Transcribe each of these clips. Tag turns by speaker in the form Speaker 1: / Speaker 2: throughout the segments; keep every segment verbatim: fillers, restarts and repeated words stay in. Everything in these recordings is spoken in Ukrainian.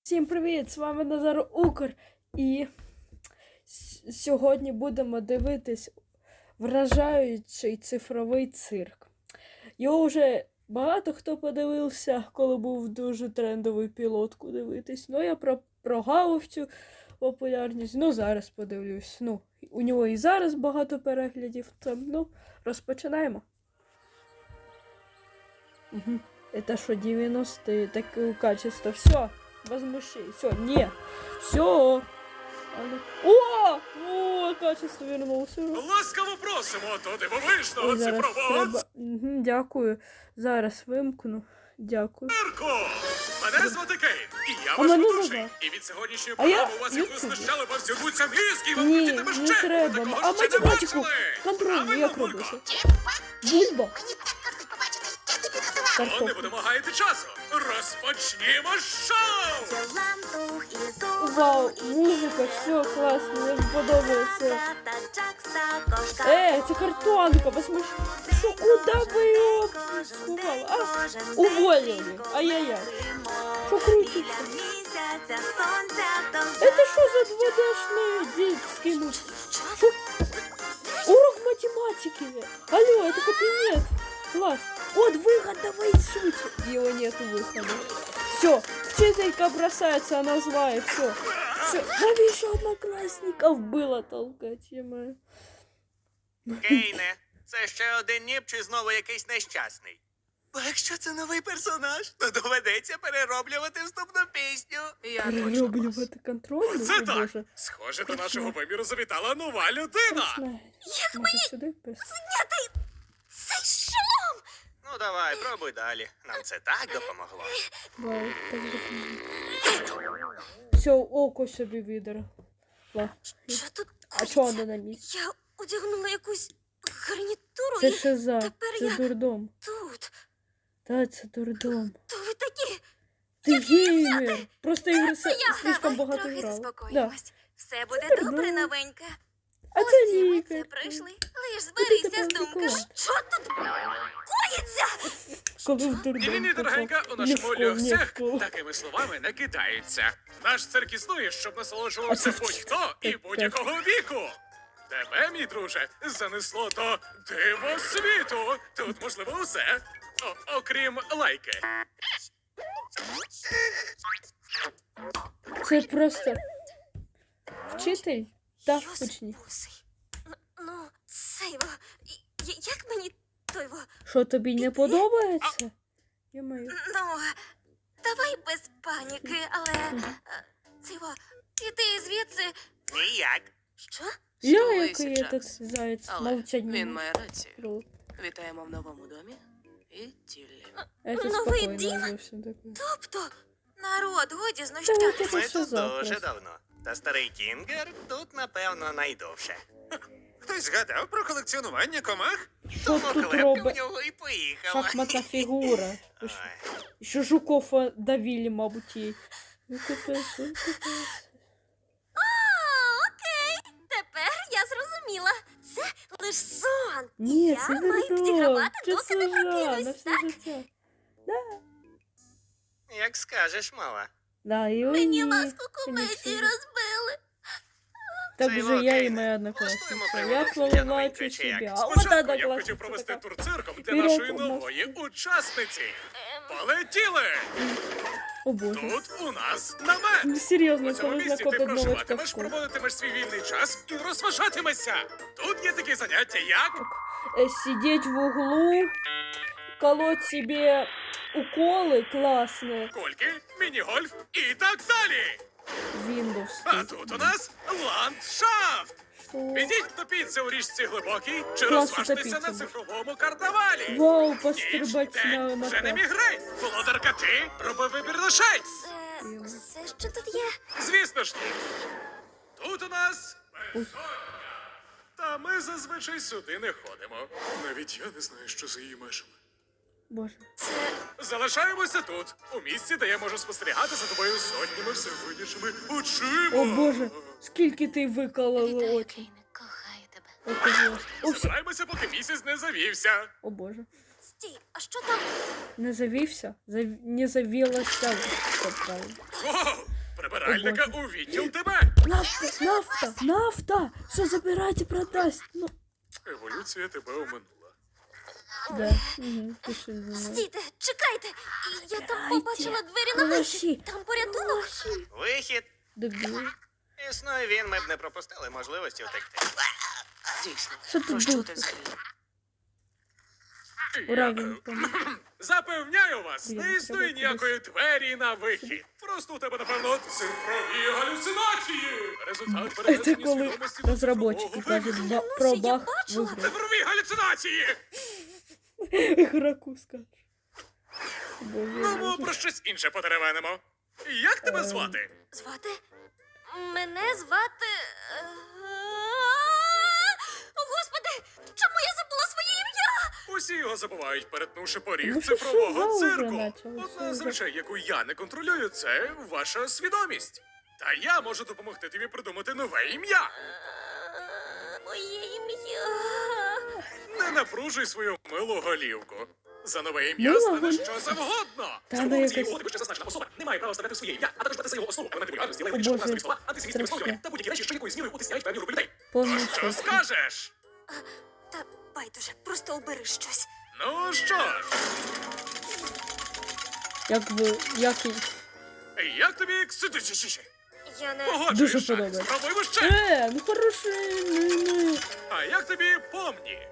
Speaker 1: Всім привіт! З вами Назар Укр. І сьогодні будемо дивитись вражаючий цифровий цирк. Його вже багато хто подивився, коли був дуже трендовий пілотку дивитись. Ну, я про прогавив цю популярність. Ну, зараз подивлюсь. Ну, у нього і зараз багато переглядів. Там, ну, розпочинаємо. Угу. Это что, девяностые, такое качество. Все, возмущай. Все, не. Все. О! О, качество вернулося.
Speaker 2: Ласкаво просимо до дивовижного
Speaker 1: Ой, зараз
Speaker 2: цифрового
Speaker 1: треба... Угу, дякую. Зараз вимкну. Дякую.
Speaker 2: цирку. Мене звати Кейт, і я
Speaker 1: А
Speaker 2: ваш
Speaker 1: мене
Speaker 2: ведучий.
Speaker 1: Назар.
Speaker 2: І від сьогоднішньої
Speaker 1: А я
Speaker 2: програми у вас їх
Speaker 1: Ютуб.
Speaker 2: знищали, бо всюдуться мізки, і ви
Speaker 1: Ні,
Speaker 2: хотітиме
Speaker 1: не
Speaker 2: ще.
Speaker 1: треба.
Speaker 2: Ви такого
Speaker 1: А
Speaker 2: ще не
Speaker 1: математику
Speaker 2: бачили.
Speaker 1: контрольну
Speaker 2: Правильно,
Speaker 1: як
Speaker 2: Бульба?
Speaker 1: робити? Бульба?
Speaker 3: Мені так кортить побачити, як ти
Speaker 2: То не
Speaker 1: Картопля.
Speaker 2: будемо гаяти часу. Розпочнімо шоу!
Speaker 3: підготував. Лампух і зуб.
Speaker 1: Вау, музика, все класно, мені подобається. Е, це картонка, посмотри. Що, куди ви його сховали? А, уволили. Ай-яй-яй. Що крутиться? Это что за два дэ-шные детские мультики? Шо? Урок математики. Алло, это кабинет. Класс. Вот выход, давай шутим. Его нету выхода. Все, вчителька бросается, она злая, все. Все, навіщо одноклассников было толкать, е-мое.
Speaker 4: Кейне, це ще один ніп чи знову якийсь нещасний? Бо якщо це новий персонаж, то доведеться перероблювати вступну пісню. Я точно вас.
Speaker 1: Перероблювати контроль?
Speaker 2: Це
Speaker 1: О,
Speaker 2: так.
Speaker 1: Боже.
Speaker 2: Схоже, до нашого виміру завітала нова людина.
Speaker 1: Страшно. Може сюди пис-
Speaker 3: Цей шолом!
Speaker 4: Ну давай, пробуй далі. Нам це так допомогло.
Speaker 1: Вау, так допомогу. Все, око собі видер.
Speaker 3: Що тут
Speaker 1: А
Speaker 3: коїться?
Speaker 1: чого вона на місці?
Speaker 3: Я одягнула якусь гарнітуру
Speaker 1: Це
Speaker 3: і
Speaker 1: шиза,
Speaker 3: тепер
Speaker 1: це
Speaker 3: я-
Speaker 1: дурдом.
Speaker 3: тут.
Speaker 1: Та, це дурдом.
Speaker 3: То ви такі.
Speaker 1: Ти геймер! Просто ігри се-
Speaker 3: Я
Speaker 1: слишком
Speaker 3: давай
Speaker 1: багато
Speaker 3: трохи
Speaker 1: грала. Да.
Speaker 3: заспокоїмось. Все буде
Speaker 1: Тепер
Speaker 3: добре,
Speaker 1: да.
Speaker 3: новенька.
Speaker 1: А
Speaker 3: Ось
Speaker 1: це
Speaker 3: і ми
Speaker 1: лікар.
Speaker 3: це прийшли. Лиш
Speaker 1: ти
Speaker 3: зберися
Speaker 1: тепер
Speaker 3: з думками.
Speaker 1: прикол.
Speaker 3: Що тут коїться?
Speaker 1: Коли в дурдом.
Speaker 2: Ні-ні-ні, дорогенька, у
Speaker 1: попав. Не в
Speaker 2: нашому
Speaker 1: школу, не в
Speaker 2: льохсях
Speaker 1: школу.
Speaker 2: такими словами не кидається. Наш цирк існує, щоб насолоджувався
Speaker 1: А це-
Speaker 2: будь-хто і
Speaker 1: так,
Speaker 2: будь-якого віку. Тебе, мій друже, занесло до дивосвіту. Тут можливо усе, О- окрім лайки.
Speaker 1: Це просто вчитель та
Speaker 3: Йос
Speaker 1: учні.
Speaker 3: бусий. Н- Ну, це його. Я- Як мені то його?
Speaker 1: Що тобі не подобається? Ё-моё.
Speaker 3: Ну, давай без паніки, але е, це його. Іди звідси.
Speaker 4: Ніяк.
Speaker 3: Що?
Speaker 1: Я
Speaker 5: Стулися,
Speaker 1: який
Speaker 5: Джакс.
Speaker 1: этот заяць
Speaker 5: Але
Speaker 1: мовчать не
Speaker 5: він
Speaker 1: може.
Speaker 5: має рацію.
Speaker 1: Кру.
Speaker 5: Вітаємо в новому домі і тіллі.
Speaker 1: Это
Speaker 3: Новий
Speaker 1: спокойно
Speaker 3: дім?
Speaker 1: зовсім таке.
Speaker 3: Тобто, народ, годі
Speaker 1: Та
Speaker 3: знущатися.
Speaker 1: от це
Speaker 4: Ми
Speaker 1: що
Speaker 4: тут
Speaker 1: за
Speaker 4: дуже
Speaker 1: просто?
Speaker 4: давно. Та старий Кінгер тут, напевно, найдовше. Хтось згадав про колекціонування комах?
Speaker 1: Що
Speaker 4: Тому
Speaker 1: тут
Speaker 4: клепка в
Speaker 1: робить?
Speaker 4: нього і поїхала.
Speaker 1: Шахматна фігура. Ви що?
Speaker 4: Ой.
Speaker 1: Ще Жукова давили, мабуть, їй. Ну капець, ну капець.
Speaker 3: А, окей. Тепер я зрозуміла. Це лиш сон.
Speaker 1: Ні,
Speaker 3: я
Speaker 1: це
Speaker 3: маю
Speaker 1: дурдом.
Speaker 3: підігравати,
Speaker 1: Це
Speaker 3: доки не
Speaker 1: служа на
Speaker 3: прокинусь,
Speaker 1: все
Speaker 3: так?
Speaker 1: життя.
Speaker 4: Як скажеш, мала.
Speaker 1: Да, і
Speaker 3: Мені
Speaker 1: ой,
Speaker 3: ласку
Speaker 1: ні,
Speaker 3: комедії
Speaker 1: це-
Speaker 3: розбили.
Speaker 1: Так
Speaker 4: Це
Speaker 1: же
Speaker 4: його
Speaker 1: я і
Speaker 4: Кейна.
Speaker 1: моя
Speaker 4: Влаштуємо
Speaker 1: однокласниця.
Speaker 4: пригоду
Speaker 1: Я
Speaker 4: для
Speaker 1: плавачу
Speaker 4: новенької, чи як?
Speaker 1: собі. А
Speaker 2: Спочатку
Speaker 1: от
Speaker 2: я б хотів
Speaker 1: однокласниця
Speaker 2: провести
Speaker 1: така.
Speaker 2: тур цирком для
Speaker 1: Вперед
Speaker 2: нашої
Speaker 1: у нас.
Speaker 2: нової учасниці.
Speaker 3: Ем,
Speaker 2: Полетіли!
Speaker 1: О боже.
Speaker 2: Тут у нас намет.
Speaker 1: Ну серйозно,
Speaker 2: У цьому
Speaker 1: коли
Speaker 2: місці ти
Speaker 1: знакомить новичка в
Speaker 2: проживатимеш,
Speaker 1: школу.
Speaker 2: проводитимеш свій вільний час і розважатимешся. Тут є такі заняття, як
Speaker 1: Э, Сидеть в углу, колоть себе уколы классные.
Speaker 2: кольки, міні-гольф і так далі.
Speaker 1: Windows.
Speaker 2: А тут у нас ландшафт.
Speaker 1: Что?
Speaker 2: Підіть топіться у річці глибокій чи
Speaker 1: Класно
Speaker 2: розважтеся
Speaker 1: топіться.
Speaker 2: на цифровому карнавалі.
Speaker 1: Вау,
Speaker 2: Ніч,
Speaker 1: пострибать на,
Speaker 2: день,
Speaker 1: на
Speaker 2: вже не
Speaker 1: крас.
Speaker 2: мігрень. Володарка ти, роби вибір лишень.
Speaker 3: Це все, що тут є.
Speaker 2: Звісно ж ні. Тут у нас
Speaker 1: Ой.
Speaker 2: безсоння. Та ми зазвичай сюди не ходимо. Навіть я не знаю, що за її межами.
Speaker 1: Боже.
Speaker 3: Це
Speaker 2: Залишаємося тут, у місці, де я можу спостерігати за тобою сотнями всевидячими очима.
Speaker 1: О боже, скільки ти викололи
Speaker 3: вітаю,
Speaker 1: очі.
Speaker 3: Кейне, кохаю тебе.
Speaker 1: О, боже. О, все.
Speaker 2: Збираємося, поки місяць не завівся.
Speaker 1: О боже.
Speaker 3: Стій, а що там?
Speaker 1: Не завівся? Зав... Не завілася. Це правильно.
Speaker 2: Воу! прибиральника у відділ тебе.
Speaker 1: Нафта, нафта, нафта! Все забирайте, продасть. Ну,
Speaker 2: Еволюція тебе оминула.
Speaker 1: да. Угу, пиши. да.
Speaker 3: Стійте, чекайте! Я там
Speaker 1: Чекайте.
Speaker 3: побачила двері на
Speaker 1: Гроші.
Speaker 3: вихід. Там порятунок.
Speaker 4: Вихід.
Speaker 1: Дебіл.
Speaker 4: Існує він, ми б не пропустили можливості втекти.
Speaker 5: Дійсно.
Speaker 1: Що ти
Speaker 5: Про що
Speaker 1: думаєш?
Speaker 5: ти взагалі?
Speaker 1: Ура,
Speaker 2: Я,
Speaker 1: він
Speaker 2: е,
Speaker 1: помог.
Speaker 2: Запевняю вас,
Speaker 1: Блін,
Speaker 2: не
Speaker 1: треба
Speaker 2: існує
Speaker 1: кудись.
Speaker 2: ніякої двері на вихід. Просто у тебе, напевно, цифрові галюцинації. Результат
Speaker 1: Це
Speaker 2: перенесення
Speaker 1: коли
Speaker 2: свідомості до
Speaker 1: розробники
Speaker 2: цифрового
Speaker 1: кажуть
Speaker 2: виміру.
Speaker 1: ба-
Speaker 3: Клянуся,
Speaker 1: про
Speaker 3: я
Speaker 1: баг в
Speaker 3: бачила.
Speaker 1: ігрі.
Speaker 2: Цифрові галюцинації!
Speaker 1: Ігроку скажеш. Боже,
Speaker 2: Ну, ми
Speaker 1: боже.
Speaker 2: про щось інше потеревенимо. Як тебе
Speaker 1: Ем.
Speaker 2: звати?
Speaker 3: Звати? Мене звати. е, О, Господи! Чому я забула своє ім'я?
Speaker 2: Усі його забувають, перетнувши поріг
Speaker 1: Ну, що
Speaker 2: цифрового
Speaker 1: шиза вже
Speaker 2: цирку.
Speaker 1: началося
Speaker 2: Одна з
Speaker 1: вже.
Speaker 2: речей, яку я не контролюю, це ваша свідомість. Та я можу допомогти тобі придумати нове ім'я.
Speaker 3: Е, Моє ім'я.
Speaker 2: Не напружуй свою милу голівку. За нове ім'я
Speaker 1: Мила
Speaker 2: стане
Speaker 1: голівка?
Speaker 2: що завгодно.
Speaker 1: Та
Speaker 2: За
Speaker 1: ну,
Speaker 2: умовою цієї
Speaker 1: якось-
Speaker 2: угоди вище зазначена особа не має права вставляти своє ім'я, а також брати за його основу елементи вульгарності,
Speaker 1: О,
Speaker 2: лайвичні
Speaker 1: Боже,
Speaker 2: назви слова, антисемітські
Speaker 1: страшне.
Speaker 2: висловлювання та будь-які речі, що якоюсь мірою утисняють певні групи людей.
Speaker 1: Повний
Speaker 2: То що
Speaker 1: шок.
Speaker 2: скажеш?
Speaker 3: Та байдуже, просто обери щось.
Speaker 2: Ну що ж,
Speaker 1: Як ви, як і...
Speaker 2: як тобі ксидичі?
Speaker 3: Я не.
Speaker 1: Дуже
Speaker 2: Погоджуєшся?
Speaker 1: подобається.
Speaker 2: Спробуємо ще.
Speaker 1: Е, ну хороший, ну, ну.
Speaker 2: А як тобі помні?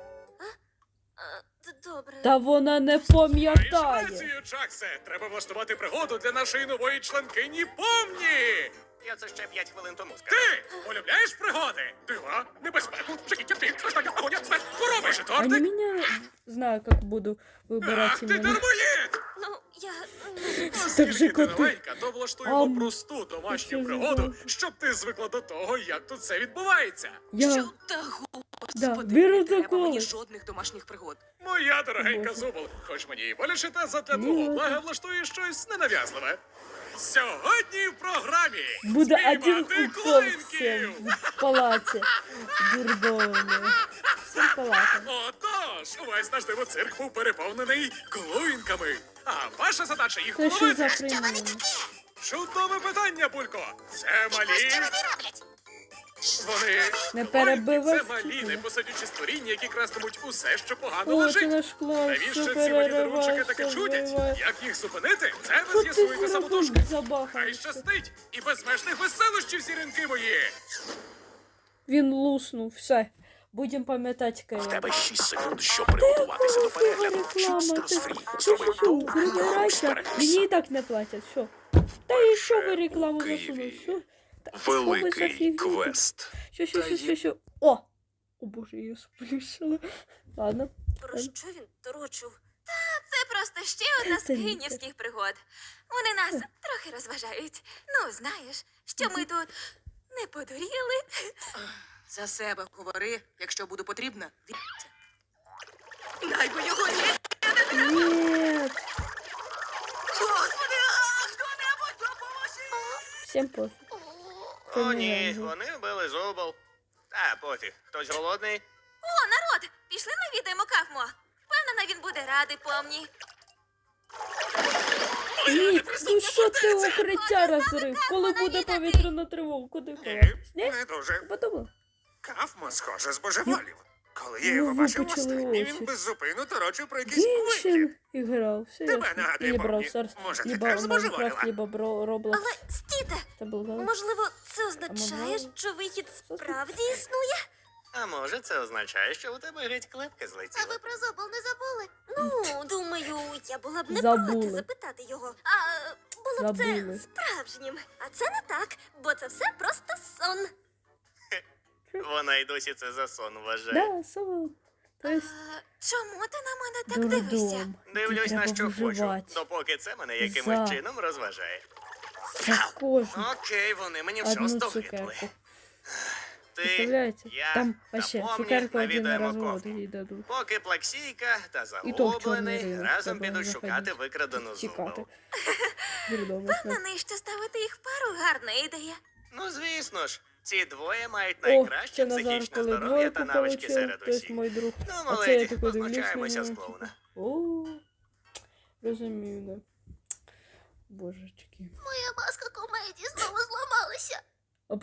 Speaker 3: Е, д- Добре.
Speaker 1: Та вона не
Speaker 2: Маєш
Speaker 1: пам'ятає.
Speaker 2: рацію, Чаксе. Треба влаштувати пригоду для нашої нової членкині помні.
Speaker 4: Я це ще п'ять хвилин тому сказав.
Speaker 2: Ти полюбляєш пригоди? Дива, небезпеку, жахіття, біль, страждання, агонія, смерть, хвороби,
Speaker 1: Они
Speaker 2: тортик.
Speaker 1: меня... Знаю, как буду
Speaker 2: Ах,
Speaker 1: выбирать
Speaker 2: ти
Speaker 1: имена.
Speaker 2: термоїд!
Speaker 3: Ну, я. м,
Speaker 1: Так же
Speaker 2: Оскільки ти
Speaker 1: коти.
Speaker 2: новенька, то влаштуємо
Speaker 1: Ам,
Speaker 2: просту домашню
Speaker 1: що
Speaker 2: пригоду,
Speaker 1: за-
Speaker 2: щоб ти звикла до того, як тут все відбувається.
Speaker 1: Я...
Speaker 5: Що та господи,
Speaker 1: Да,
Speaker 5: не
Speaker 1: беру
Speaker 5: треба
Speaker 1: такого.
Speaker 5: мені жодних домашніх пригод.
Speaker 2: Моя дорогенька
Speaker 1: Боже.
Speaker 2: Зубол, хоч мені і боляче, та задля
Speaker 1: Ні,
Speaker 2: твого
Speaker 1: ну,
Speaker 2: блага влаштує щось ненав'язливе. Сьогодні в програмі
Speaker 1: Буде один
Speaker 2: спіймати
Speaker 1: укол
Speaker 2: клоїнків.
Speaker 1: всем в палате. Дурдовные. Всем палатам.
Speaker 2: Отож, увесь наш дивоцирк був переповнений клоїнками. А ваша задача їх
Speaker 1: Це що за
Speaker 2: половити.
Speaker 1: хрень?
Speaker 2: Чудове питання, Булько. Це малі.
Speaker 3: Що вони роблять?
Speaker 2: Вони
Speaker 1: Не
Speaker 2: клоїнки,
Speaker 1: перебивай
Speaker 2: це малі
Speaker 1: вчителя.
Speaker 2: непосадючі створіння, які крастимуть усе, що погано
Speaker 1: О, це
Speaker 2: лежить.
Speaker 1: наш клас.
Speaker 2: Навіщо
Speaker 1: Все
Speaker 2: ці малі дарунчики таке
Speaker 1: переривається,
Speaker 2: чудять?
Speaker 1: зриває.
Speaker 2: Як їх зупинити? Це ви
Speaker 1: Що ти
Speaker 2: з'ясуєте
Speaker 1: зробив?
Speaker 2: самотужки. Хай
Speaker 1: Забахався.
Speaker 2: щастить! І безмежних веселощів, зіринки мої!
Speaker 1: Він луснув, все. Будем пам'ятати,
Speaker 6: В
Speaker 1: Кая.
Speaker 6: тебе шість секунд, щоб приготуватися до перегляду.
Speaker 1: Реклама,
Speaker 6: Чіпстер
Speaker 1: ти...
Speaker 6: Фрі.
Speaker 1: Що,
Speaker 6: Зроби
Speaker 1: що, що,
Speaker 6: довгий рух
Speaker 1: прибирайся.
Speaker 6: сперегся.
Speaker 1: Мені і так не платять, що? Та і що ви
Speaker 6: у
Speaker 1: рекламу
Speaker 6: Києві
Speaker 1: засунули? Що? Та що ви за
Speaker 6: Великий
Speaker 1: фігня?
Speaker 6: квест.
Speaker 1: Що, що,
Speaker 6: Та
Speaker 1: що, що,
Speaker 6: є-
Speaker 1: що? О! О боже, я сплющила. Ладно.
Speaker 3: Про що він торочив? Та це просто ще одна з
Speaker 1: Це ліки.
Speaker 3: київських пригод. Вони нас трохи розважають. Ну, знаєш, що ми тут не подуріли.
Speaker 5: За себе говори, якщо буду потрібна, дивіться. Дай би його ні!
Speaker 1: Нет.
Speaker 5: Господи, а хто-небудь допоможи!
Speaker 1: Всем пофиг.
Speaker 4: О,
Speaker 1: не
Speaker 4: ні,
Speaker 1: важно.
Speaker 4: вони вбили Зубол. Та пофіг, хтось голодний?
Speaker 3: О, народ! Пішли навідаємо Кафмо. Впевнена, він буде радий помні.
Speaker 1: Ні, ну що ти укриття розрив? Коли буде повітряна тривога? Куди ховатись? Ні?
Speaker 7: Не дуже.
Speaker 1: Подумав.
Speaker 7: Кафмо, схоже, збожеволів. Коли я
Speaker 1: Ну,
Speaker 7: його бачив
Speaker 1: випучили
Speaker 7: останній,
Speaker 1: очі.
Speaker 7: він беззупинно торочив про якісь квитки.
Speaker 1: Геншин іграв. Все
Speaker 7: Тебе
Speaker 1: ясно.
Speaker 7: нагадує,
Speaker 1: Или
Speaker 7: помні.
Speaker 1: Brawl Stars,
Speaker 7: Може, ти
Speaker 1: либо
Speaker 7: теж
Speaker 1: Майнкрафт,
Speaker 7: збожеволіла?
Speaker 1: либо Бро- Roblox.
Speaker 3: Але стійте!
Speaker 1: Це був галас.
Speaker 3: Можливо, це означає,
Speaker 1: можливо.
Speaker 3: що вихід справді існує?
Speaker 4: А може, це означає, що у тебе геть клепка злетіла?
Speaker 3: про Зобол не забули? Ну, думаю, я була б не
Speaker 1: Забули.
Speaker 3: проти запитати його. А було б
Speaker 1: Забули.
Speaker 3: це справжнім. А це не так, бо це все просто сон.
Speaker 4: Вона й досі це за сон вважає.
Speaker 1: Да, сон. То есть
Speaker 3: А, чому ти на мене так дивишся?
Speaker 1: дурдом.
Speaker 4: Дивлюсь
Speaker 1: Тут
Speaker 4: на
Speaker 1: треба
Speaker 4: що хочу,
Speaker 1: виживати.
Speaker 4: допоки це мене якимось
Speaker 1: За.
Speaker 4: чином розважає.
Speaker 1: За кожну
Speaker 4: Окей, вони мені вже
Speaker 1: одну
Speaker 4: остогидли.
Speaker 1: цукерку.
Speaker 4: Ти,
Speaker 1: Представляете?
Speaker 4: я
Speaker 1: Там
Speaker 4: та
Speaker 1: вообще
Speaker 4: помні
Speaker 1: цукерку один
Speaker 4: навідаємо
Speaker 1: развод
Speaker 4: Кофму.
Speaker 1: їй дадуть.
Speaker 4: Поки Плаксійка та
Speaker 1: І то в чорний
Speaker 4: Заглоблений
Speaker 1: ринок
Speaker 4: разом
Speaker 1: треба
Speaker 4: підуть
Speaker 1: заходити.
Speaker 4: шукати викрадену
Speaker 1: Чекати.
Speaker 4: зубу.
Speaker 1: Дурдом.
Speaker 3: На неї ще ставити їх в пару гарна ідея.
Speaker 4: Ну, звісно ж, ці двоє мають
Speaker 1: О, це
Speaker 4: найкраще
Speaker 1: Назар,
Speaker 4: психічне
Speaker 1: коли
Speaker 4: здоров'я та
Speaker 1: двойку
Speaker 4: навички
Speaker 1: получив,
Speaker 4: серед
Speaker 1: то есть
Speaker 4: усіх.
Speaker 1: мой друг.
Speaker 4: Ну,
Speaker 1: А це я
Speaker 4: маледі,
Speaker 1: такой дивлюсь на
Speaker 4: позначаємося
Speaker 1: нього.
Speaker 4: з
Speaker 1: типу,
Speaker 4: клоуна.
Speaker 1: О, розумію, да. Божечки.
Speaker 3: Моя маска комедії знову зламалася.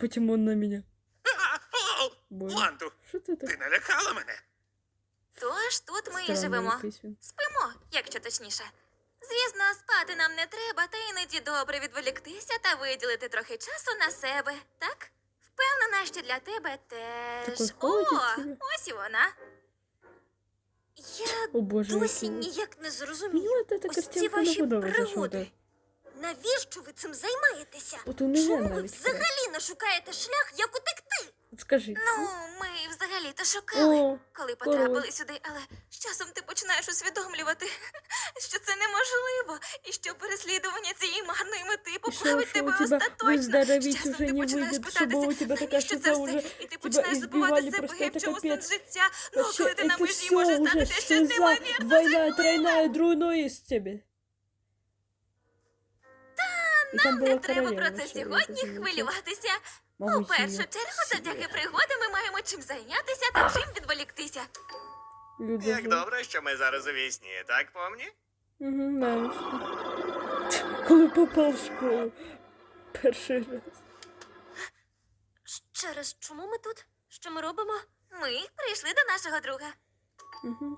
Speaker 1: потім он на мене.
Speaker 7: А, о,
Speaker 1: Боже.
Speaker 7: Манту,
Speaker 1: Що ти так?
Speaker 7: ти налякала мене.
Speaker 3: Тож тут ми і
Speaker 1: Странний
Speaker 3: живемо.
Speaker 1: якийсь він.
Speaker 3: Спимо, якщо точніше. Звісно, спати нам не треба, та іноді добре відволіктися та виділити трохи часу на себе, так? Впевнена, що для тебе теж.
Speaker 1: Такий
Speaker 3: О,
Speaker 1: ходить собі.
Speaker 3: ось і вона.
Speaker 8: Я
Speaker 1: О боже,
Speaker 8: досі
Speaker 1: який.
Speaker 8: ніяк не
Speaker 1: Мені
Speaker 8: зрозумію.
Speaker 1: от ця
Speaker 8: Ось ці
Speaker 1: картинка не
Speaker 8: ваші
Speaker 1: подобається, що
Speaker 8: пригоди.
Speaker 1: так.
Speaker 8: Навіщо ви цим займаєтеся?
Speaker 1: От у мене
Speaker 8: Чому ви
Speaker 1: навіть.
Speaker 8: взагалі не шукаєте шлях, як утекти?
Speaker 1: От скажи.
Speaker 3: Ну, ми взагалі-то шукали,
Speaker 1: О,
Speaker 3: коли
Speaker 1: коротше.
Speaker 3: потрапили сюди, але з часом ти починаєш усвідомлювати, що це неможливо, і що переслідування цієї марної мети
Speaker 1: и что,
Speaker 3: поплавить
Speaker 1: что у
Speaker 3: тебе
Speaker 1: тебя
Speaker 3: остаточно.
Speaker 1: выздороветь
Speaker 3: З часом
Speaker 1: уже
Speaker 3: ти
Speaker 1: не
Speaker 3: починаєш
Speaker 1: выйдет, чтобы у
Speaker 3: питатися,
Speaker 1: тебя такая
Speaker 3: навіщо це
Speaker 1: штука
Speaker 3: все,
Speaker 1: уже
Speaker 3: і ти
Speaker 1: тебя
Speaker 3: починаєш забувати
Speaker 1: избивали,
Speaker 3: себе,
Speaker 1: просто
Speaker 3: і
Speaker 1: это
Speaker 3: в чому сенс
Speaker 1: капец.
Speaker 3: життя. Ну,
Speaker 1: Вообще,
Speaker 3: коли ти на
Speaker 1: это
Speaker 3: межі,
Speaker 1: все
Speaker 3: може
Speaker 1: уже
Speaker 3: статися щось
Speaker 1: шиза,
Speaker 3: неймовірно.
Speaker 1: двойная, тройная, друйной из тебя. И там
Speaker 3: Не
Speaker 1: была
Speaker 3: треба про
Speaker 1: королева
Speaker 3: це
Speaker 1: вообще,
Speaker 3: сьогодні
Speaker 1: это замечательно.
Speaker 3: хвилюватися. У
Speaker 1: Могу
Speaker 3: першу
Speaker 1: себе
Speaker 3: чергу, завдяки
Speaker 1: себе.
Speaker 3: пригоди ми маємо чим зайнятися та чим відволіктися.
Speaker 1: Люда
Speaker 4: Як
Speaker 1: же.
Speaker 4: добре, що ми зараз у вісні, так помні?
Speaker 1: Угу, знаєш. Коли попав в школу. Перший раз.
Speaker 8: Ще раз, чому ми тут? Що ми робимо?
Speaker 3: Ми прийшли до нашого друга.
Speaker 1: Угу.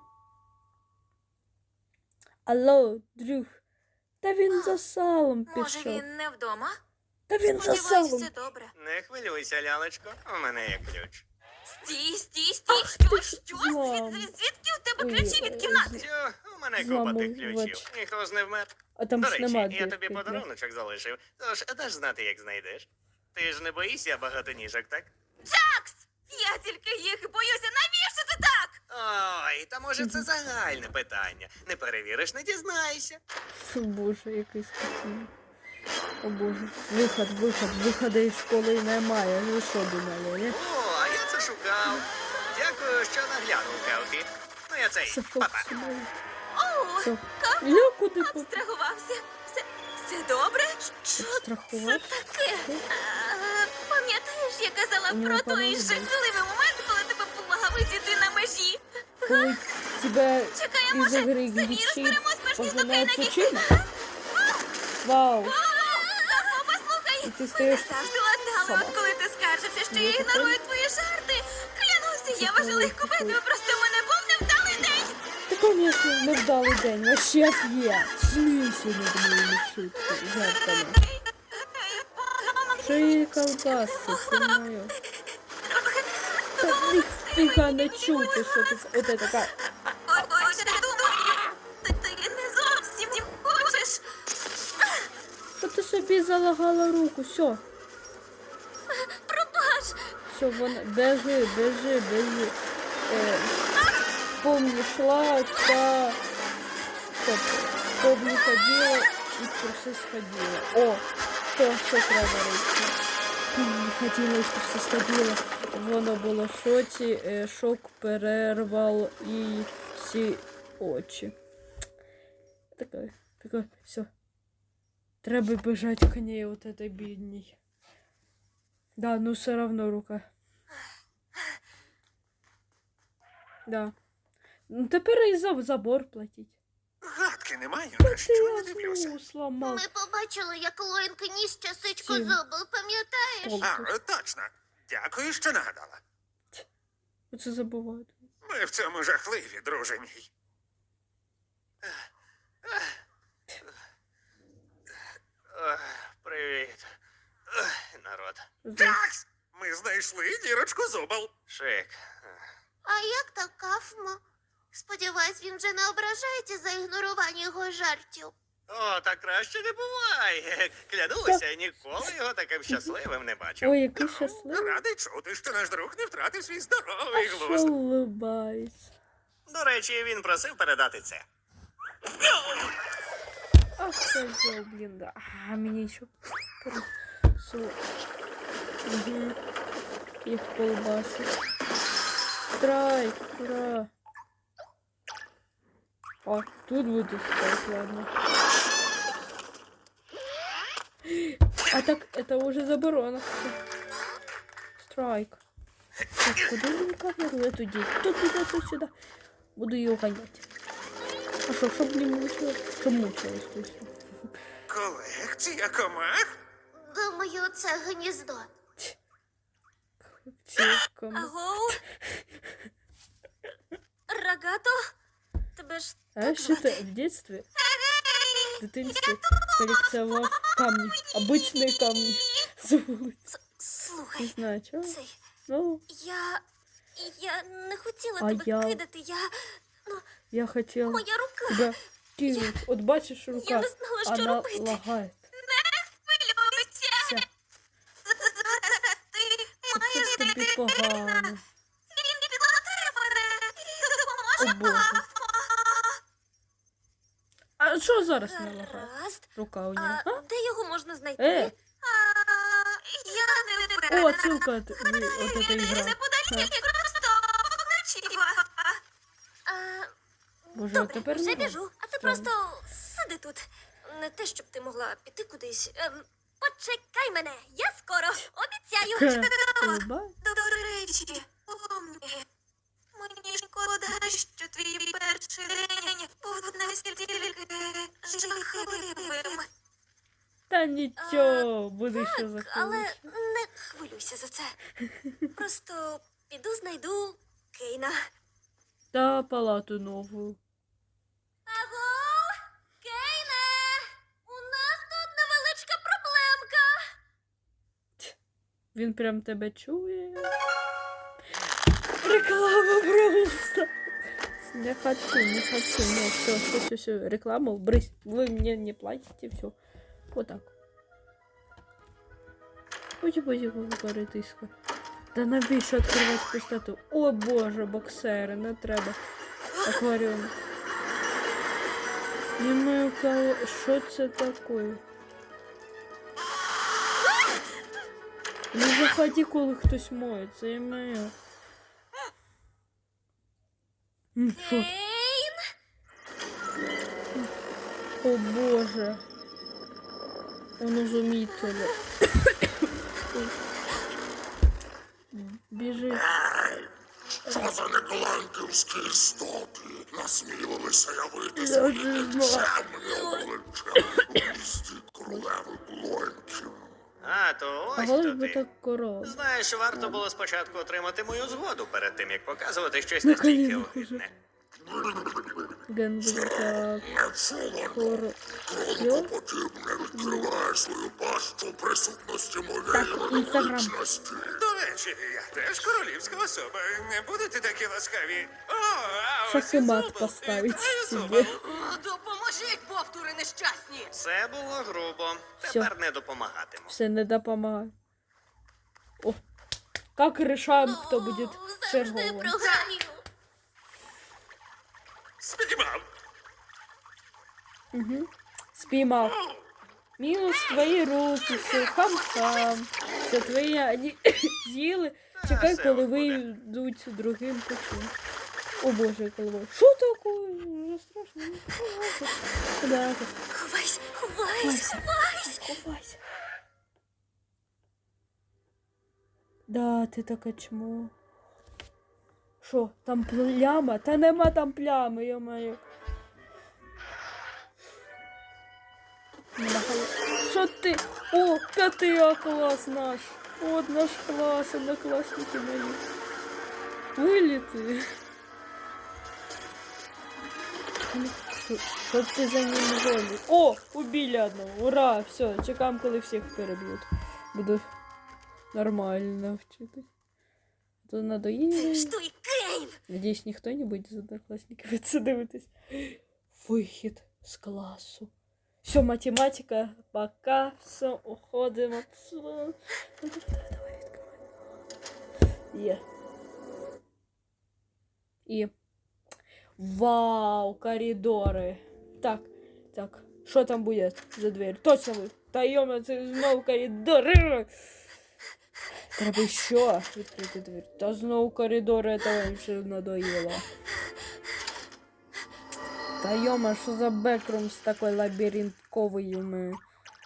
Speaker 1: Алло, друг. Та він за салом
Speaker 3: Може,
Speaker 1: пішов.
Speaker 3: він не вдома?
Speaker 1: Та він за
Speaker 3: Сподіваюсь,
Speaker 1: салом.
Speaker 3: все добре.
Speaker 4: Не хвилюйся, лялечко, у мене є ключ.
Speaker 3: Стій, стій, стій, що, що?
Speaker 1: злам.
Speaker 3: Звід, звід, звідки у тебе
Speaker 1: Ой,
Speaker 3: ключі від кімнати?
Speaker 4: Тю, у мене купа
Speaker 1: Зламав
Speaker 4: тих ключів.
Speaker 1: вач.
Speaker 4: Ніхто ж не вмер.
Speaker 1: А там
Speaker 4: До
Speaker 1: ж
Speaker 4: речі,
Speaker 1: нема
Speaker 4: я тобі
Speaker 1: дірки,
Speaker 4: подаруночок залишив, тож даш знати, як знайдеш. Ти ж не боїшся багатоніжок, так?
Speaker 3: Джакс! Я тільки їх і боюся. Навіщо ти так?
Speaker 4: Ой, та може це загальне питання. Не перевіриш, не дізнаєшся.
Speaker 1: Фу, боже, якийсь такий. О боже. Виход, виход, виходу із школи немає. Ну що думали, не?
Speaker 4: О, а я це шукав. Дякую, що наглянув, Келфі. Ну я цей,
Speaker 1: Це
Speaker 4: папа.
Speaker 1: фоксимай.
Speaker 3: О,
Speaker 1: Все. Я куди поп...
Speaker 3: абстрагувався. Все, все добре? Що це
Speaker 1: Страхувати?
Speaker 3: таке? А, Пам'ятаєш, я казала
Speaker 1: У нього
Speaker 3: про той
Speaker 1: по-моєму,
Speaker 3: жахливий момент, коли тебе помагав відійти на межі?
Speaker 1: Коли тебе
Speaker 3: Чекай, а
Speaker 1: із
Speaker 3: може,
Speaker 1: ігри
Speaker 3: самі
Speaker 1: глічі
Speaker 3: розберемось, перш ніж до
Speaker 1: пожинає
Speaker 3: Кеннеді?
Speaker 1: пучина? Вау.
Speaker 3: О, послухай,
Speaker 1: І ти
Speaker 3: мене
Speaker 1: стоїш
Speaker 3: завжди ладнало,
Speaker 1: сама.
Speaker 3: от коли ти скаржився, що
Speaker 1: Ну,
Speaker 3: я
Speaker 1: таке.
Speaker 3: ігнорую твої жарти. Клянуся, я вважала їх
Speaker 1: Таке.
Speaker 3: купити, просто в мене був невдалий день.
Speaker 1: Та, конечно, невдалий день. Вообще офігеть. Смійся над моїми шутками, жартами. Що її колбаси, це моє. Та ніфіга не чути, що ти... От це така...
Speaker 3: Ой, ой, я думаю, ти, ти не зовсім не хочеш.
Speaker 1: Що ти собі залагала руку, все.
Speaker 3: Пробач.
Speaker 1: Все, вона... Бежи, бежи, бежи. Е, помни, шла, та... Стоп. Помни, ходила і в труси сходила. О, то, що треба робити. Помни, ходила і в труси сходила. Вона була в шоці, е, шок перервав їй всі очі. Таке, таке, все. Треба бежать к ней, вот этой бедней. Да, ну все равно рука. Да. Ну тепер і за забор платить.
Speaker 7: Гадки не маю,
Speaker 1: Та
Speaker 7: на що не
Speaker 1: ти
Speaker 7: дивлюся.
Speaker 1: ослу сломав.
Speaker 8: Ми побачили, як Лоїнка ніс часичку
Speaker 1: Чим?
Speaker 8: зубов, пам'ятаєш?
Speaker 7: А, точно. Дякую, що нагадала.
Speaker 1: Оце забувають.
Speaker 7: Ми в цьому жахливі, друже мій.
Speaker 4: Ох, привіт. Ох, народ.
Speaker 7: Такс! Ми знайшли дірочку зубов.
Speaker 4: Шик.
Speaker 8: А як так Кафмо? Сподіваюсь, він вже не ображається за ігнорування його жартів.
Speaker 4: О, так краще не буває. Клянуся, ніколи його таким щасливим не бачив.
Speaker 1: Ой, який щасливий.
Speaker 7: Радий чути, що наш друг не втратив свій здоровий
Speaker 1: А що
Speaker 7: глузд.
Speaker 1: улыбається?
Speaker 4: До речі, він просив передати це.
Speaker 1: Ах, козел, блин, да. А, мне еще... Угу. Их колбасы. Страйк, ура. А, тут будет страйк, ладно. А так, это уже заборона. Страйк. Так, куда мне камеру эту деть? Тут, туда, тут, сюда. Буду ее гонять. А что, чтоб не мучилась? Чтоб мучилась, то есть.
Speaker 7: Колекція комах?
Speaker 8: Думаю, це гніздо.
Speaker 1: цілком.
Speaker 3: Аго? Рогато? Тебе ж
Speaker 1: А
Speaker 3: так
Speaker 1: що ти
Speaker 3: звати?
Speaker 1: в дитинстві? В дитинстві колекціонував камні, обичні камні з вулиці.
Speaker 3: С-
Speaker 1: Не
Speaker 3: Слухай,
Speaker 1: знаю, чого.
Speaker 3: цей,
Speaker 1: Ну,
Speaker 3: я... Я не хотіла
Speaker 1: А
Speaker 3: тебе
Speaker 1: я-
Speaker 3: кидати, я...
Speaker 1: я хотів
Speaker 3: Моя рука!
Speaker 1: тебе кинуть. От бачиш
Speaker 3: Я
Speaker 1: рука,
Speaker 3: не знала, що
Speaker 1: вона
Speaker 3: робити.
Speaker 1: лагає.
Speaker 3: Хвилюйся!
Speaker 1: Все,
Speaker 3: Зараз ти
Speaker 1: це
Speaker 3: маєш
Speaker 1: тобі
Speaker 3: знайти
Speaker 1: погано.
Speaker 3: Він підлатає мене і
Speaker 1: О
Speaker 3: допоможе
Speaker 1: боже. А що зараз не лагає?
Speaker 3: Гаразд.
Speaker 1: Рука у нього.
Speaker 3: А
Speaker 1: А?
Speaker 3: де його можна знайти?
Speaker 1: Е,
Speaker 3: Я не впевнена.
Speaker 1: о, ссылка от, от этой
Speaker 3: Він
Speaker 1: игры.
Speaker 3: неподалік, просто вночі. А,
Speaker 1: Боже,
Speaker 3: Добре,
Speaker 1: тепер
Speaker 3: вже
Speaker 1: не
Speaker 3: біжу, а ти
Speaker 1: Странно.
Speaker 3: просто сиди тут. Не те, щоб ти могла піти кудись. Ем, почекай мене, я скоро, обіцяю.
Speaker 1: Ха, улыбай.
Speaker 3: До речі, помні. Мені шкода, що твій перший день був настільки жахливим.
Speaker 1: Та нічого, буде що
Speaker 3: Але
Speaker 1: захочеш.
Speaker 3: не хвилюйся за це. Просто піду знайду Кейна.
Speaker 1: Та палату нову.
Speaker 3: Аго, Кейне! У нас тут невеличка проблемка.
Speaker 1: Він прям тебе чує. Реклама просто. Не хочу, не хочу. Не, все, все, все, все. Рекламу, брысь. Вы мне не платите, все. Вот так. Ой, боже, какая тиска. Да навіщо відкривати пустоту? О боже, боксери, не треба. Акваріум. Не маю кого. Що це таке? Не заходи, коли хтось моється, я маю. М, Що?
Speaker 3: Кейн?
Speaker 1: О боже. Он изумительно. Біжи.
Speaker 6: Що за некланківські істоти насмілилися явитися
Speaker 1: Я
Speaker 6: від
Speaker 1: не знаю.
Speaker 6: темного обличчя у місті королеви Блонків?
Speaker 4: А, то
Speaker 1: А
Speaker 4: ось
Speaker 1: голос
Speaker 4: хто
Speaker 1: би
Speaker 4: ти.
Speaker 1: так коров.
Speaker 4: Знаєш, варто було спочатку отримати мою згоду перед тим, як показувати щось
Speaker 1: На
Speaker 4: настільки
Speaker 1: колінах
Speaker 4: огидне.
Speaker 1: Ген буде так.
Speaker 6: Не чула,
Speaker 1: Коро...
Speaker 6: кронко подібне відкриває свою пащу у присутності моєї
Speaker 1: Так, Інстаграм.
Speaker 6: величності.
Speaker 7: До речі, я теж королівська особа. Не будете такі ласкаві? О, а ось і
Speaker 1: Шахмат
Speaker 7: Зубл.
Speaker 1: поставить
Speaker 7: Вітаю,
Speaker 1: собі.
Speaker 7: Зубл.
Speaker 5: О, допоможіть, бовтури нещасні!
Speaker 4: Це було грубо.
Speaker 1: Всьо.
Speaker 4: Тепер не допомагатиму.
Speaker 1: Все, не допомагає. О, как решаем, кто будет
Speaker 3: Ну, завжди
Speaker 1: черговым.
Speaker 3: програю.
Speaker 7: Спіймав.
Speaker 1: Угу. Спіймав. Мінус твої руки, все, хам-хам. Це твої, вони з'їли. Чекай,
Speaker 4: все
Speaker 1: коли
Speaker 4: буде.
Speaker 1: вийдуть другим путем. О боже, голова. Що таке? Вже страшно. Да,
Speaker 3: Ховайся, ховайся,
Speaker 1: Ховайся.
Speaker 3: ховайся.
Speaker 1: ховайся. Да, ти таке чмо. Що, там пляма? Та нема там плями, йо-моє. Що ти? О, п'ятий А клас наш. От наш клас, однокласники мої. Виліти. Що- Що ти за ним гониш? О, убили одного. Ура, все, чекаємо, коли всіх переб'ють. Буду нормально вчити. То
Speaker 3: Це
Speaker 1: надоїло.
Speaker 3: ж той Кейн.
Speaker 1: Надіюсь, ніхто не буде з однокласників це дивитись. Вихід з класу. Все, математика, пока, все, уходимо. Все. Ну, давай, давай, відкривай. Є. І. Вау, коридори. Так, так. Що там буде за двері? Точно ви. Та йома, це знову коридори. Треба ще відкрити двері. Та знову коридори, це вже надоїло. Та йома, що за бекрум з такою лабіринтковою ми.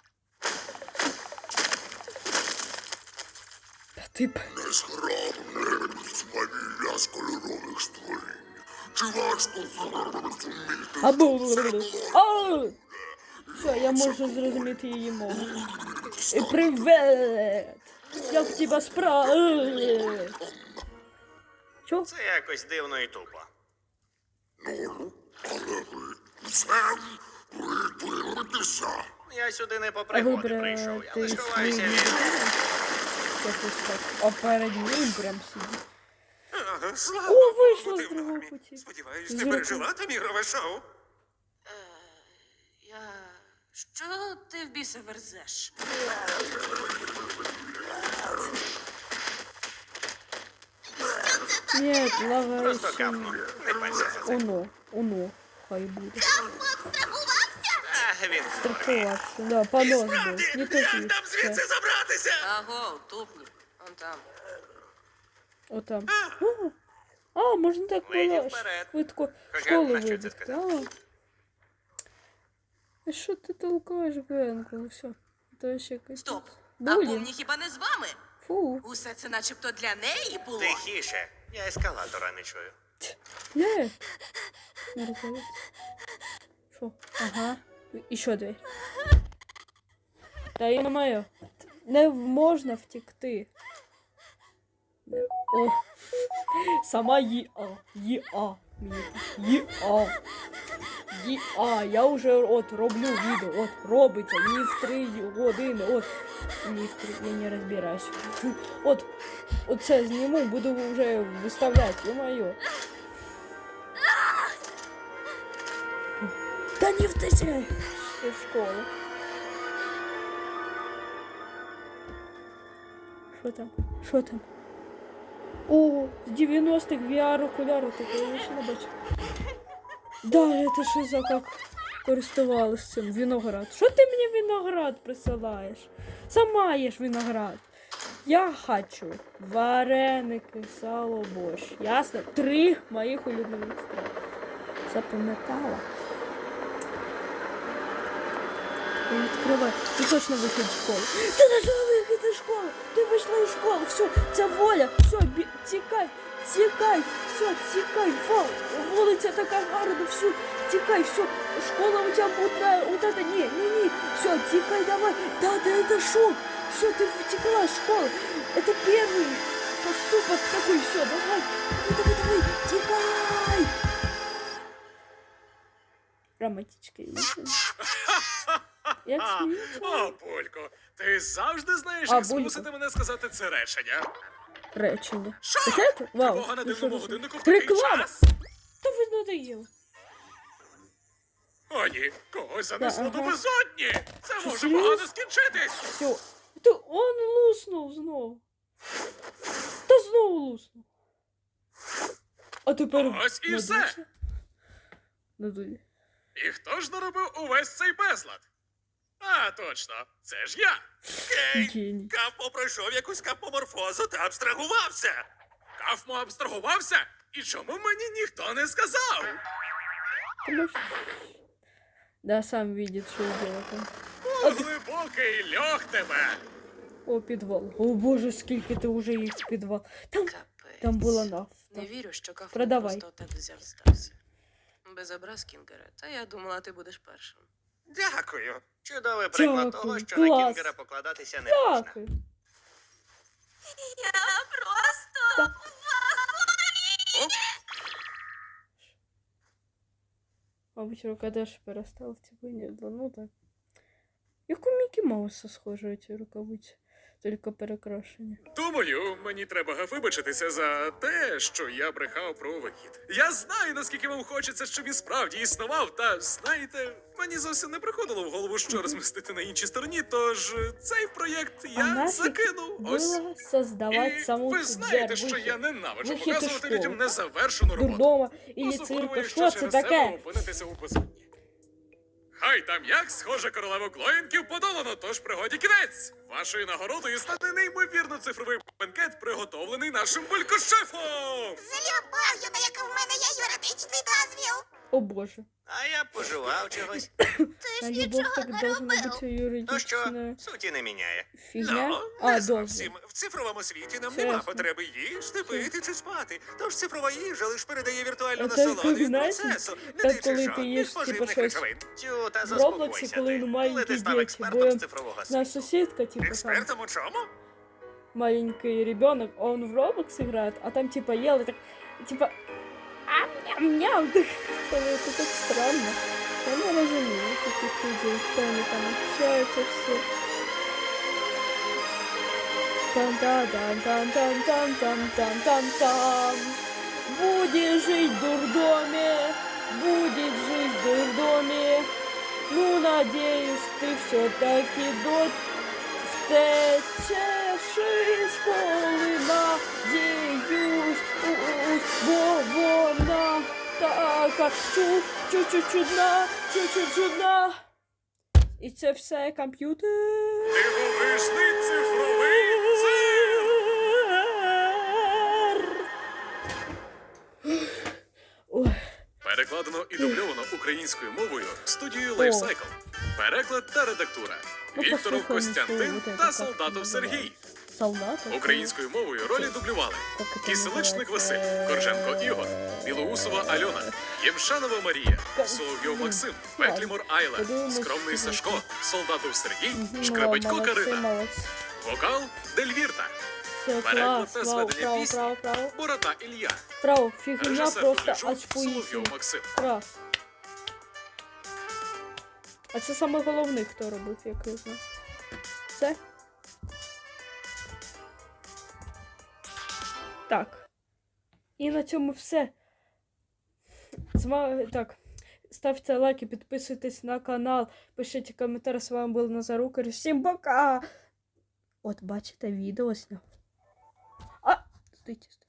Speaker 1: Та ти б.
Speaker 6: Незграбне відьмавілля з кольорових створінь. Чи важко зрозуміти,
Speaker 1: Або.
Speaker 6: що це було?
Speaker 1: Ау! Все, я можу зрозуміти її мову. І привет! Як тебе справи? Чо?
Speaker 4: Це якось дивно і тупо.
Speaker 6: Ну, але ви це виберетеся.
Speaker 4: Я сюди не по пригоди
Speaker 1: вибрати
Speaker 4: прийшов. Я лише ховаюся
Speaker 1: свій-
Speaker 4: від...
Speaker 1: Якось так. А перед ним прям сидить.
Speaker 7: Ага, слава
Speaker 1: О,
Speaker 7: Богу,
Speaker 1: вийшла
Speaker 7: ти
Speaker 1: з
Speaker 7: в
Speaker 1: другого
Speaker 7: нормі.
Speaker 1: путі.
Speaker 7: Сподіваюсь,
Speaker 1: З
Speaker 7: ти
Speaker 1: руки.
Speaker 7: пережила там ігрове шоу.
Speaker 5: Е, я. Що ти в біса верзеш?
Speaker 1: Ні,
Speaker 4: Просто
Speaker 1: лагаючий.
Speaker 4: капну. Не парся за це.
Speaker 1: Оно, оно. Хай буде.
Speaker 4: А, він
Speaker 1: Страхувався. Да, понос був. Не то
Speaker 7: Як
Speaker 1: звідси.
Speaker 7: нам звідси забратися?
Speaker 5: Аго, тупні. Он там.
Speaker 1: Отам. А, а, можна так
Speaker 4: Леді
Speaker 1: було
Speaker 4: вперед.
Speaker 1: швидко в
Speaker 4: Хоча,
Speaker 1: школу
Speaker 4: на що це
Speaker 1: вибігти.
Speaker 4: сказати?
Speaker 1: А що ти толкаєш, Генку? Все. То ще якось.
Speaker 5: Стоп. А
Speaker 1: Булінг.
Speaker 5: помні хіба не з вами?
Speaker 1: Фу.
Speaker 5: Усе це начебто для неї було.
Speaker 4: Тихіше. Я ескалатора не чую.
Speaker 1: Не. Не розумію. Що? Ага. І що дверь? Та я маю. Не можна втекти. Не. О. Сама ЄА. ЄА. Мені так. ЄА. ЄА. Я вже от роблю відео. От робиться. Ні в три години. От. Ні в три. Я не розбираюсь. От. Оце зніму, буду вже виставляти. Ё-моё. Да не втечай! Ты в школу. Что там? Что там? О, с девяностых ви ар-окуляри такое я ще не бачу. Да, это що за как користувалась цим? Виноград. Що ти мені виноград присилаєш? Сама їш виноград. Я хочу вареники, сало, борщ. Ясно? Три моїх улюблених страв. Запам'ятала. Я відкриваю. Це точно вихід з школи. Ти не вихід із школи! Ти вийшла із школи! Все, це воля! Все, бі... тікай! Тікай! Все, тікай! Вау! Вулиця така гарна! Все, тікай! Все! Школа у тебе буде... Вот это... Не, не, не! Все, тікай, давай! Да, да, это шок! Все, ты втекла из школы! Это первый поступок такой! Все, давай! Давай, давай, давай! Тікай! Романтичка. Як сміються?
Speaker 2: О, Полько, ти завжди знаєш,
Speaker 1: А,
Speaker 2: як
Speaker 1: Булько.
Speaker 2: змусити мене сказати це речення.
Speaker 1: Речення.
Speaker 2: Що?
Speaker 1: Це? Вау.
Speaker 2: Такого на
Speaker 1: Ну,
Speaker 2: дивному
Speaker 1: що це?
Speaker 2: годиннику в такий
Speaker 1: Реклама!
Speaker 2: час.
Speaker 1: Та ви надоїли.
Speaker 2: О, ні, когось занесло
Speaker 1: Да,
Speaker 2: до
Speaker 1: ага.
Speaker 2: безодні. Це
Speaker 1: Що,
Speaker 2: може
Speaker 1: серйозно?
Speaker 2: погано скінчитись.
Speaker 1: Все. Та он луснув знову. Та знову луснув. А тепер...
Speaker 2: Ось і все.
Speaker 1: надувся. Надує.
Speaker 2: І хто ж наробив увесь цей безлад? А, точно, це ж я.
Speaker 7: Кейн,
Speaker 1: Геній.
Speaker 7: Кафмо пройшов якусь капоморфозу та абстрагувався.
Speaker 2: Кафмо абстрагувався? І чому мені ніхто не сказав?
Speaker 1: Тому що- Да, сам видит, що дело там.
Speaker 2: О, глибокий льох тебе.
Speaker 1: О, підвал. О боже, скільки ти вже їх в підвал. Там,
Speaker 5: Капець.
Speaker 1: там була нафта.
Speaker 5: Не вірю, що кафе
Speaker 1: Продавай.
Speaker 5: просто так взяв здався. Без образ, Кінгере. Та я думала, ти будеш першим.
Speaker 7: Дякую.
Speaker 4: Чудовий приклад
Speaker 1: Дякую,
Speaker 4: того, що
Speaker 1: клас.
Speaker 4: на Кінгера покладатися не можна.
Speaker 1: Дякую.
Speaker 3: Я просто.
Speaker 1: Мабуть, рукодеш перестав, типу, ні, да, ну так. Як у Мікі Мауса схожі ці рукавиці, тільки перекрашені.
Speaker 2: Думаю, мені треба вибачитися за те, що я брехав про вихід. Я знаю, наскільки вам хочеться, щоб він справді існував, та знаєте, мені зовсім не приходило в голову, що розмістити на іншій стороні, тож е, цей проєкт
Speaker 1: А
Speaker 2: я
Speaker 1: нафіг
Speaker 2: закинув. Ось.
Speaker 1: Було создавати
Speaker 2: І
Speaker 1: саму
Speaker 2: ви
Speaker 1: цю
Speaker 2: знаєте,
Speaker 1: двер,
Speaker 2: що
Speaker 1: вихід.
Speaker 2: я ненавиджу
Speaker 1: Вихід із
Speaker 2: показувати
Speaker 1: школи.
Speaker 2: людям незавершену роботу.
Speaker 1: Дурдома і
Speaker 2: Особливо,
Speaker 1: цирка.
Speaker 2: якщо
Speaker 1: Що це
Speaker 2: через себе
Speaker 1: таке?
Speaker 2: опинитися у безодні. Хай там як, схоже, королеву Клоєнків подолано, тож пригоді кінець. Вашою нагородою стане неймовірно цифровий бенкет, приготовлений нашим булькошефом.
Speaker 8: Злюбаю, на яка в мене є юридичний дозвіл.
Speaker 1: О боже.
Speaker 4: А я пожував чогось.
Speaker 8: Ти
Speaker 1: А
Speaker 8: ж
Speaker 1: любов
Speaker 8: нічого
Speaker 1: так
Speaker 8: не
Speaker 1: должна
Speaker 8: робив.
Speaker 1: бути
Speaker 4: Ну що,
Speaker 1: юридична
Speaker 4: суті не міняє.
Speaker 1: фігня.
Speaker 7: Ну,
Speaker 1: А,
Speaker 7: не
Speaker 1: дозвіл.
Speaker 7: зовсім. В цифровому світі нам
Speaker 1: Чесно.
Speaker 7: нема потреби їсти, пити чи спати. Тож цифрова їжа лише передає віртуальну
Speaker 1: А це
Speaker 7: насолоду
Speaker 1: як,
Speaker 7: від
Speaker 1: знаєте,
Speaker 7: процесу, не
Speaker 1: так,
Speaker 7: даючи
Speaker 1: коли ти
Speaker 7: жодних
Speaker 1: їш, типу,
Speaker 7: поживних
Speaker 1: щось
Speaker 7: речовин.
Speaker 4: Тю, та
Speaker 1: В Роблоксі,
Speaker 4: заспокойся
Speaker 1: коли
Speaker 4: ти.
Speaker 1: маленькі
Speaker 4: Коли ти став
Speaker 1: діти,
Speaker 4: експертом
Speaker 1: бо
Speaker 4: з цифрового
Speaker 1: На
Speaker 4: світу.
Speaker 1: сусідка, типу, там.
Speaker 7: Експертом у чому?
Speaker 1: маленький ребенок, он в Roblox играет, а там типа ел и так, типа, ам-ням-ням, это так странно. Я не разумею таких людей, что они там общаются все. Там-там-там-там-там-там-там-там. Будешь жить в дурдоме, будет жить в дурдоме. Ну, надеюсь, ты все-таки до втечеш із школи, надіюсь, бо вона така чу-чу-чудна, чу-чу-чудна. І це все комп'ютер.
Speaker 2: Дивовижний цифровий цирк!
Speaker 1: Ой.
Speaker 2: Перекладено і дубльовано українською мовою студією Lifecycle. Переклад та редактура.
Speaker 1: Ну,
Speaker 2: Вікторов
Speaker 1: послухаємо, що
Speaker 2: Костянтин
Speaker 1: вот это
Speaker 2: та
Speaker 1: как
Speaker 2: Солдатов
Speaker 1: називається.
Speaker 2: Сергій.
Speaker 1: Солдатов?
Speaker 2: Українською мовою ролі дублювали
Speaker 1: Как это
Speaker 2: Киселичник
Speaker 1: называется?
Speaker 2: Василь, Корженко Ігор, Білоусова Альона, Ємшанова Марія,
Speaker 1: Ка-
Speaker 2: Соловйов
Speaker 1: Блін,
Speaker 2: Максим,
Speaker 1: ладно.
Speaker 2: Петлімор Айла,
Speaker 1: Подивимось,
Speaker 2: Скромний
Speaker 1: що
Speaker 2: Сашко,
Speaker 1: буде.
Speaker 2: Солдатов Сергій,
Speaker 1: Мгм,
Speaker 2: Шкребетько
Speaker 1: молодці,
Speaker 2: Карина,
Speaker 1: молодці.
Speaker 2: вокал Дельвірта,
Speaker 1: Все,
Speaker 2: переклад
Speaker 1: клас,
Speaker 2: та
Speaker 1: право,
Speaker 2: зведення
Speaker 1: право,
Speaker 2: пісні
Speaker 1: право, право.
Speaker 2: Борота Ілля,
Speaker 1: Право, фігня
Speaker 2: режисер
Speaker 1: просто
Speaker 2: дубляжу
Speaker 1: очкуїться.
Speaker 2: Соловйов Максим.
Speaker 1: Раз. А це саме головне, хто робив, як я знаю. Все? Так. І на цьому все. З вами, так. Ставте лайки, підписуйтесь на канал, пишіть коментарі. З вами був Назарукар. Всім пока! От, бачите, відео зняв. А! Стойте, стойте.